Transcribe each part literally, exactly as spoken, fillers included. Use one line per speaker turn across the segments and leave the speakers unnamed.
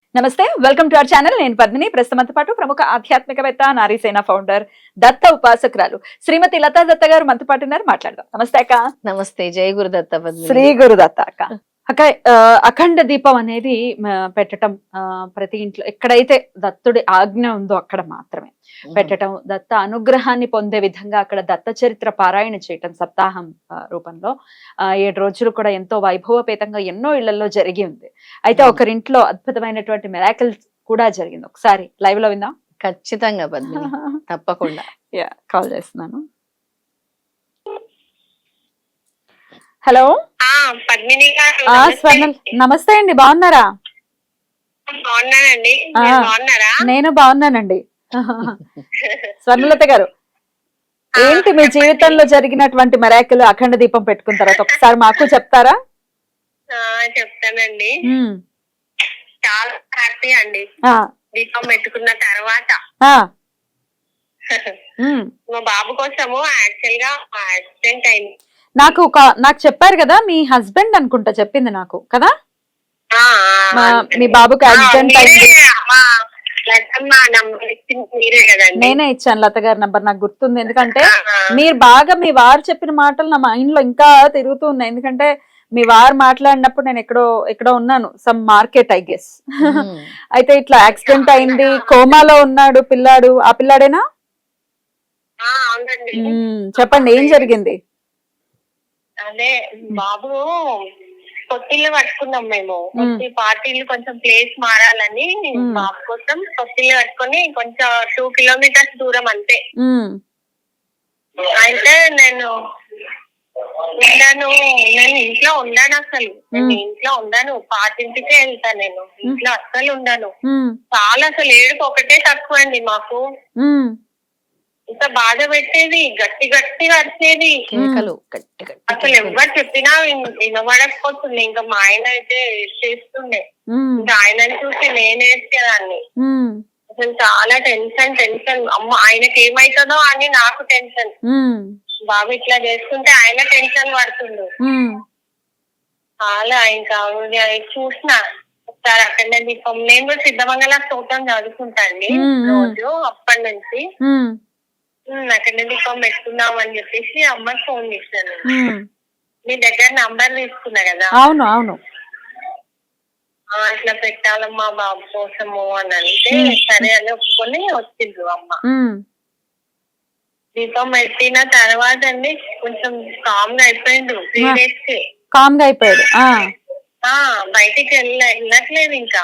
నమస్తే, welcome to our channel. నేను పద్మిని. ప్రస్తుతంతో పాటు ప్రముఖ ఆధ్యాత్మికవేత్త, నారీసేన ఫౌండర్, దత్త ఉపాసకురాలు శ్రీమతి లతా దత్త గారు మనతో పాటు ఉన్నారు. మాట్లాడదాం. నమస్తే అక్క.
నమస్తే. జై గురుదత్త.
శ్రీ గురుదత్త అక్క. అక్క, అఖండ దీపం అనేది పెట్టడం ప్రతి ఇంట్లో ఎక్కడైతే దత్తుడి ఆజ్ఞ ఉందో అక్కడ మాత్రమే పెట్టడం, దత్త అనుగ్రహాన్ని పొందే విధంగా అక్కడ దత్త చరిత్ర పారాయణ చేయటం సప్తాహం రూపంలో ఏడు రోజులు కూడా ఎంతో వైభవపేతంగా ఎన్నో ఇళ్లలో జరిగి ఉంది. అయితే ఒకరింట్లో అద్భుతమైనటువంటి మిరాకిల్స్ కూడా జరిగింది. ఒకసారి లైవ్ లో విందాం.
ఖచ్చితంగా పద్మిని, తప్పకుండా.
యా, కాల్ చేస్తున్నాను. హలో
పద్మిని గారు.
స్వర్ణల్, నమస్తే అండి. బాగున్నారా?
బాగున్నానండి. బాగున్నారా?
నేను బాగున్నానండి. స్వర్ణలత గారు, ఏంటి మీ జీవితంలో జరిగినటువంటి మెరాకిల్ అఖండ దీపం పెట్టుకున్న తర్వాత ఒకసారి మాకు చెప్తారా?
చెప్తానండి. చాలా హ్యాపీ అండి దీపం పెట్టుకున్న తర్వాత. మా బాబు కోసము యాక్చువల్ గా యాక్సిడెంట్ అయింది.
నాకు నాకు చెప్పారు కదా, మీ హస్బెండ్ అనుకుంటా చెప్పింది నాకు కదా, మీ బాబుకి యాక్సిడెంట్ అయింది. నేనే ఇచ్చాను లత గారి నంబర్, నాకు గుర్తుంది. ఎందుకంటే మీరు బాగా మీ వారు చెప్పిన మాటలు నా మైండ్ లో ఇంకా తిరుగుతూ ఉన్నాయి. ఎందుకంటే మీ వారు మాట్లాడినప్పుడు నేను ఎక్కడో ఎక్కడో ఉన్నాను, సమ్ మార్కెట్ ఐ గెస్. అయితే ఇట్లా యాక్సిడెంట్ అయింది, కోమాలో ఉన్నాడు పిల్లాడు. ఆ పిల్లాడేనా? చెప్పండి, ఏం జరిగింది?
అదే బాబు కొత్తిల్లు పట్టుకున్నాం మేము. కొత్తి పార్టీలు కొంచెం ప్లేస్ మారాలని బాబు కోసం కొత్తిల్లు పట్టుకొని కొంచెం టూ కిలోమీటర్స్ దూరం అంతే. అయితే నేను ఉండాను నేను ఇంట్లో ఉండాను అసలు నేను ఇంట్లో ఉండాను పాతింటికే వెళ్తాను. నేను ఇంట్లో అస్సలు ఉండాను. చాలా అసలు ఏడుపు ఒకటే తక్కువ అండి మాకు. ఇంత బాధ పెట్టేది, గట్టి గట్టిగా వచ్చేది. అసలు ఎవరు చెప్పినా వినబడకపోతుంది. ఇంకా మా ఆయన అయితే చేస్తుండే, ఇంకా ఆయనని చూసి నేను వేసేదాన్ని. అసలు చాలా టెన్షన్ టెన్షన్. అమ్మ ఆయనకి ఏమైతుందో అని నాకు టెన్షన్. బాబు ఇట్లా చేస్తుంటే ఆయన టెన్షన్ పడుతుండు. చాలా ఇంకా చూసిన ఒకసారి అక్కడ దీపం. నేను కూడా సిద్ధమంగళ స్తోత్రం చదువుకుంటా అండి రోజు. అప్పటి నుంచి అక్కడ దీపం పెట్టుకుందాం అని చెప్పేసి అమ్మకి ఫోన్ చేశాను. మీ దగ్గర నంబర్ తీసుకున్నా కదా.
అవును అవును.
ఇట్లా పెట్టాలమ్మా బాబు కోసము అని అంటే సరే అని ఒప్పుకొని వచ్చిండ్రు అమ్మ. దీపం పెట్టిన తర్వాత అండి కొంచెం కామ్ గా అయిపోయిండు. త్రీ డేస్ కి
కామ్ గా అయిపోయాడు.
బయటికి వెళ్ళ వెళ్ళట్లేదు ఇంకా.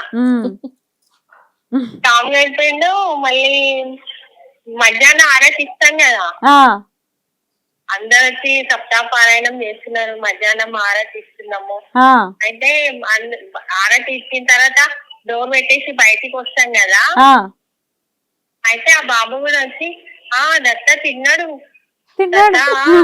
కామ్ గా అయిపోయిండు. మళ్ళీ మధ్యాహ్నం ఆరతి ఇస్తాం కదా, అందరు వచ్చి సప్తాహ పారాయణం చేస్తున్నారు. మధ్యాహ్నం ఆరతి ఇస్తున్నాము. అయితే ఆరతి ఇచ్చిన తర్వాత డోర్ పెట్టేసి బయటికి వస్తాం కదా. అయితే ఆ బాబు కూడా వచ్చి ఆ దత్త తిన్నాడు తిన్నాడు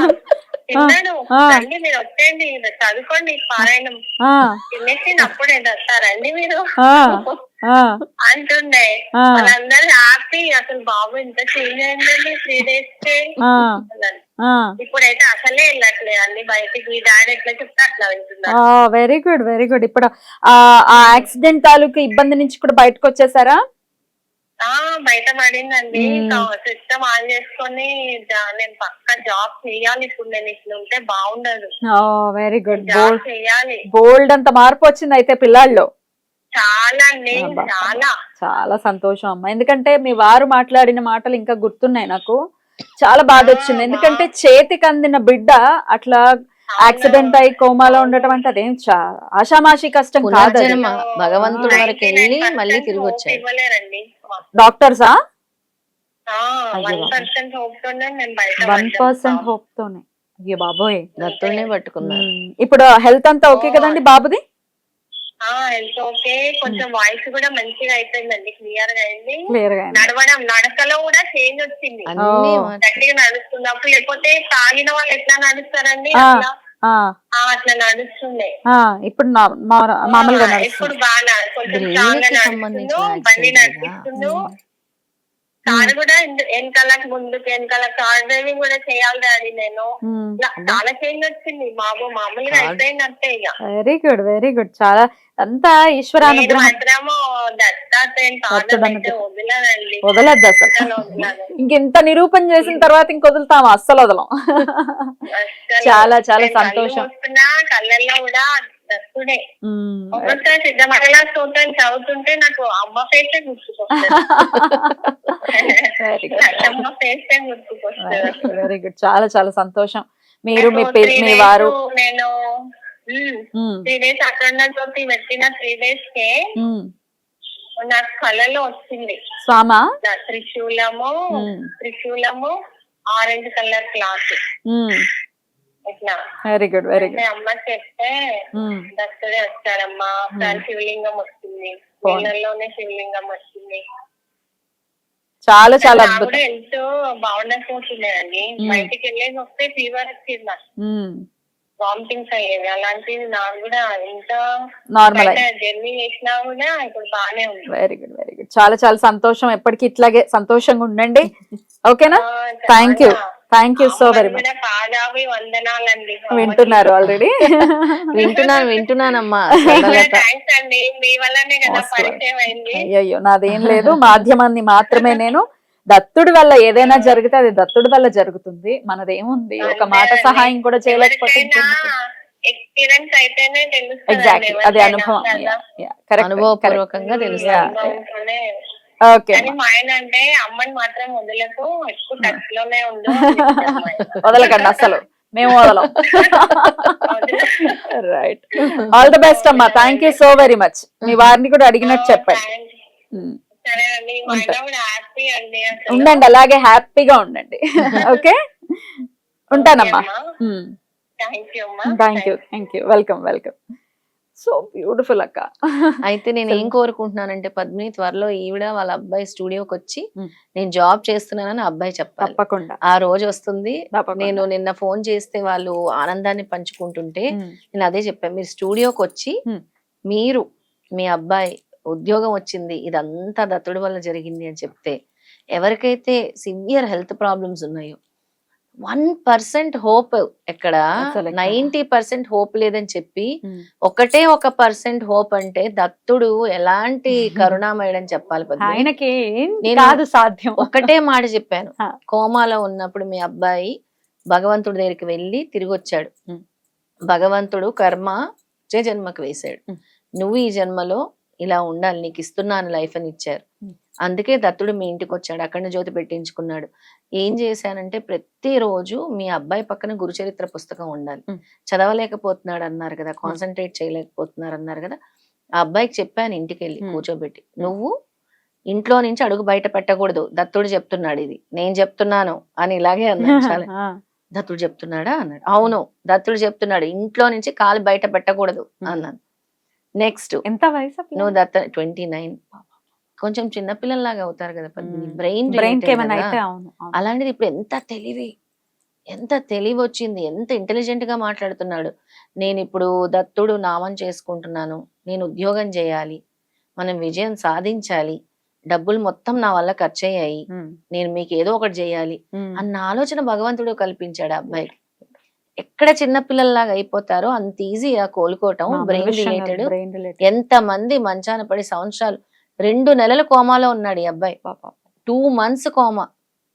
రండి మీరు వచ్చేయండి చదువుకోండి పారాయణం తినేసి అప్పుడే దత్త రండి మీరు అంటుండే. వాళ్ళందరూ హ్యాపీ. అసలు బాబు ఇంత చేంజ్ అయిందండి త్రీ డేస్ కి. ఇప్పుడైతే అసలే వెళ్ళట్లేదు అండి బయటికి. డాడీ ఎట్లా చెప్తే అట్లా వెళ్తున్నారు.
Very good very good. ఇప్పుడు ఆ యాక్సిడెంట్ తాలూకు ఇబ్బంది నుంచి కూడా బయటకు వచ్చేసారా?
బయట పడిందండి. సిస్టమ్ ఆన్ చేసుకొని నేను పక్క జాబ్ చేయాలి. ఇప్పుడు నేను ఇట్లా ఉంటే బాగుండదు.
Very good.
జాబ్ చేయాలి.
బోల్డ్ అంత మార్పు వచ్చింది అయితే పిల్లల్లో.
చాలా అండి, చాలా
చాలా సంతోషం అమ్మా. ఎందుకంటే మీ వారు మాట్లాడిన మాటలు ఇంకా గుర్తున్నాయి నాకు. చాలా బాధ వచ్చింది. ఎందుకంటే చేతికి అందిన బిడ్డ అట్లా యాక్సిడెంట్ అయి కోమాలో ఉండటం అంటే అదేం ఆషామాషి కష్టం కాదు.
భగవంతుడి వరకు వెళ్ళి మళ్ళీ తిరిగి వచ్చారు.
డాక్టర్సా?
వన్ పర్సెంట్
హోప్ తోనే. అయ్యో బాబోయ్,
దత్తునే పట్టుకున్నారు.
ఇప్పుడు హెల్త్ అంతా ఓకే కదండి బాబుది?
Health okay. కొంచెం వాయిస్ కూడా మంచిగా అయిపోయిందండి, క్లియర్ గా అయింది. నడవడం నడకలో కూడా చేంజ్ వచ్చింది. గట్టిగా నడుస్తున్నప్పుడు, లేకపోతే తాగిన వాళ్ళు ఎట్లా నడుస్తారండి అట్లా నడుస్తుండే.
ఇప్పుడు మామూలుగా
ఇప్పుడు బాగా కొంచెం స్ట్రాంగ్ గా నడుస్తుండు, బండి నడిపిస్తుండు. కారు కూడా ఎందు- వెనకాలకు ముందుకు వెనకాల కార్ డ్రైవింగ్ కూడా చేయాలి డాడీ నేను. ఇలా చాలా చేంజ్ వచ్చింది బాబు, మామూలుగా
Car-
అయిపోయిందంటే ఇక.
వెరీ గుడ్ వెరీ గుడ్ చాలా అంతా
నేను
ఈశ్వరానుగ్రహం.
మాత్రము దత్తాత్రేయుని పాదం
దత్తుడు
అయితే
అనుగ్రహం.
వదలనండి,
వదలద్దు అసలు.
అస్సలు వదలను.
ఇంకెంత నిరూపణ చేసిన తర్వాత ఇంక వదులుతాము, అస్సలు వదలం.
అస్సలు.
చాలా చాలా
నేను కళ్ళు
సంతోషం.
మూసుకున్నా కళ్ళల్లో కూడా దత్తుడే.
ఉమ్,
ఒక్కొక్కసారి సిద్ధమంగళ స్తోత్రం చదువుతుంటే నాకు అమ్మ ఫేసే గుర్తుకొస్తుంది.
వెరీ గుడ్
అమ్మ ఫేసే గుర్తుకొస్తుంది.
వెరీ గుడ్ చాలా చాలా సంతోషం. మీరు మీ
నాకు
పి-
three
మీ
days
వారు
నేను
ఉమ్,
త్రీ డేస్ అఖండ జ్యోతి పెట్టిన త్రీ డేస్ కే
ఉమ్.
నాకు కళలో వచ్చింది
స్వామా
నా త్రిశూలము
ఉమ్,
త్రిశూలము ఆరెంజ్ కలర్ క్లాత్
ఉమ్.
ఇట్లా.
వెరీ గుడ్ వెరీ
అంటే
గుడ్
అమ్మ చెప్తే
ఉమ్,
దత్తుడే వచ్చాడమ్మా, ఒకసారి శివలింగం వచ్చింది,
బాగుంది.
నీళ్ళలోనే శివలింగం వచ్చింది.
చాలా చాలా
నాకు
అద్భుతం.
కూడా హెల్త్ బాగుండకపోతుండేదండి,
మ్మ్.
బయటికి వెళ్ళేసి వస్తే ఫీవర్ వచ్చింది, నాకు
ఉమ్,
వామిటింగ్స్ అయ్యేవి. అలాంటిది నాకు కూడా ఎంత
నార్మల్
బయట జర్నీ చేసినా కూడా ఇప్పుడు బాగానే ఉంది.
వెరీ గుడ్ వెరీ గుడ్ చాలా చాలా సంతోషం. ఎప్పటికీ ఇట్లాగే సంతోషంగా ఉండండి. ఓకేనా?
ఆ,
థ్యాంక్ యూ
చాలా.
థ్యాంక్ యూ సో
అమ్మని
వెరీ మచ్.
కూడా పాదాభి వందనాలండి.
వింటున్నారు ఆల్రెడీ.
వింటున్నాను వింటున్నానమ్మా.
థ్యాంక్స్ అండి, మీ వల్లనే కదా
Most
పరిచయం అయింది.
అయ్యయ్యో నాదేం లేదు, మాధ్యమాన్ని మాత్రమే నేను. దత్తుడి వల్ల ఏదైనా జరిగితే అది దత్తుడి వల్ల జరుగుతుంది, మనదేముంది. ఒక మాట
అంతే
సహాయం కూడా
అండి.
చేయలేకపోతే
ఎవరికైనా ఎక్స్పీరియన్స్ అయితేనే తెలుస్తుంది.
ఎగ్జాక్ట్లీ అది అనుభవం. కరెక్ట్
అనుభవపూర్వకంగా తెలుస్తుంది.
అనుభవంతోనే.
ఓకే
కానీ మా ఆయన అంటే అమ్మని మాత్రం వదలకు, ఎక్కువ టచ్ లోనే ఉండు అని చెప్తారు మా ఆయన.
వదలకండి అసలు, మేము వదలం.
వదలకు.
రైట్, ఆల్ ద బెస్ట్ అమ్మా. Thank you so very much. మీ వారిని కూడా అడిగినట్టు చెప్పండి.
Thanks.
ఉమ్.
సరే అండి, మా ఆయన కూడా హ్యాపీ అండి అసలు.
ఉండండి, అలాగే హ్యాపీగా ఉండండి. ఓకే, ఉంటానమ్మా.
థ్యాంక్ యూ అమ్మా.
Thank you thank you welcome welcome. So beautiful అక్క.
అయితే నేను ఏం కోరుకుంటున్నానంటే పద్మిని, త్వరలో ఈవిడ వాళ్ళ అబ్బాయి స్టూడియోకి వచ్చి
Hmm.
నేను జాబ్ చేస్తున్నానని అబ్బాయి చెప్పాలి.
తప్పకుండా
ఆ రోజు వస్తుంది.
తప్పకుండా.
నేను నిన్న ఫోన్ చేస్తే వాళ్ళు ఆనందాన్ని పంచుకుంటుంటే
ఉమ్,
నేను అదే చెప్పాను, మీరు స్టూడియోకి వచ్చి
Hmm.
మీరు మీ అబ్బాయి ఉద్యోగం వచ్చింది, ఇదంతా దత్తుడి వల్ల జరిగింది అని చెప్తే, ఎవరికైతే సివియర్ హెల్త్ ప్రాబ్లమ్స్ ఉన్నాయో వన్ పర్సెంట్ హోప్ ఎక్కడ,
అసలు ఎక్కడ?
నైన్టీ పర్సెంట్ హోప్ లేదని చెప్పి
ఉమ్.
ఒకటే ఒక పర్సెంట్ హోప్ అంటే దత్తుడు ఎలాంటి కరుణామయుడని చెప్పాలి పద్మిని.
ఆయనకి ఏం
నేను
కాదు సాధ్యం.
ఒకటే మాట చెప్పాను,
ఆ.
కోమాలో ఉన్నప్పుడు మీ అబ్బాయి భగవంతుడి దగ్గరికి వెళ్ళి తిరిగి వచ్చాడు.
ఉమ్.
భగవంతుడు కర్మ వచ్చే జన్మకు వేశాడు.
ఉమ్.
నువ్వు ఈ జన్మలో ఇలా ఉండాలి, నీకు ఇస్తున్నాను లైఫ్ అని ఇచ్చారు.
ఉమ్.
అందుకే దత్తుడు మీ ఇంటికి వచ్చాడు, అఖండ జ్యోతి పెట్టించుకున్నాడు. ఏం చేశానంటే ప్రతిరోజు మీ అబ్బాయి పక్కన గురుచరిత్ర పుస్తకం ఉండాలి.
ఉమ్.
చదవలేకపోతున్నాడు అన్నారు కదా, కాన్సన్ట్రేట్ చేయలేకపోతున్నారు అన్నారు కదా, ఆ అబ్బాయికి చెప్పాను ఇంటికి వెళ్ళి
ఉమ్.
కూర్చోబెట్టి, నువ్వు ఇంట్లో నుంచి అడుగు బయట పెట్టకూడదు, దత్తుడు చెప్తున్నాడు, ఇది నేను చెప్తున్నాను అని ఇలాగే అన్నాడు. చాలా
ఆ,
దత్తుడు చెప్తున్నాడా అన్నాడు. అవును దత్తుడు చెప్తున్నాడు, ఇంట్లో నుంచి కాలు బయట పెట్టకూడదు అన్నాను. నెక్స్ట్
ఎంత వయసు
నువ్వు దత్త ట్వంటీ నైన్ కొంచెం చిన్నపిల్లల్లాగా అవుతారు కదా పద్మిని,
ఉమ్.
బ్రెయిన్
బ్రెయిన్ కి ఏమైనా అయితే అవును అవును.
అలాంటిది ఇప్పుడు ఎంత తెలివి, ఎంత తెలివి వచ్చింది, ఎంత ఇంటెలిజెంట్ గా మాట్లాడుతున్నాడు. నేను ఇప్పుడు దత్తుడు నామం చేసుకుంటున్నాను, నేను ఉద్యోగం చేయాలి, మనం విజయం సాధించాలి, డబ్బులు మొత్తం నా వల్ల ఖర్చు అయ్యాయి,
ఉమ్,
నేను మీకు ఏదో ఒకటి చేయాలి
ఉమ్.
అన్న ఆలోచన భగవంతుడు కల్పించాడు ఆ అబ్బాయికి. ఎక్కడ చిన్న పిల్లల్లాగా అయిపోతారో అంత ఈజీగా కోలుకోవటం.
మామూలు
బ్రెయిన్
విషయం కాదు,
రిలేటెడ్
brain related.
ఎంత మంది మంచాన పడి సంవత్సరాలు, రెండు నెలలు కోమాలో ఉన్నాడు ఈ అబ్బాయి, టూ మంత్స్ కోమా,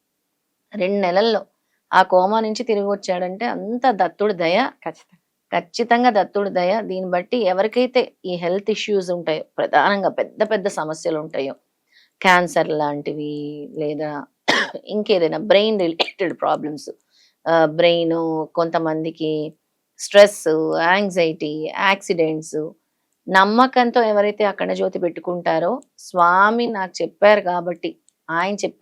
రెండు నెలల్లో ఆ కోమా నుంచి తిరిగి వచ్చాడంటే అంత దత్తుడు దయ,
ఖచ్చితంగా.
ఖచ్చితంగా దత్తుడు దయ. దీన్ని బట్టి ఎవరికైతే ఈ హెల్త్ ఇష్యూస్ ఉంటాయో, ప్రధానంగా పెద్ద పెద్ద సమస్యలు ఉంటాయో, క్యాన్సర్ లాంటివి లేదా ఇంకేదైనా బ్రెయిన్ రిలేటెడ్ ప్రాబ్లమ్స్, బ్రెయిన్, కొంతమందికి స్ట్రెస్, యాంగ్జైటీ, యాక్సిడెంట్స్, నమ్మకంతో ఎవరైతే అఖండ జ్యోతి పెట్టుకుంటారో, స్వామి నాకు చెప్పారు కాబట్టి, ఆయన చెప్పారు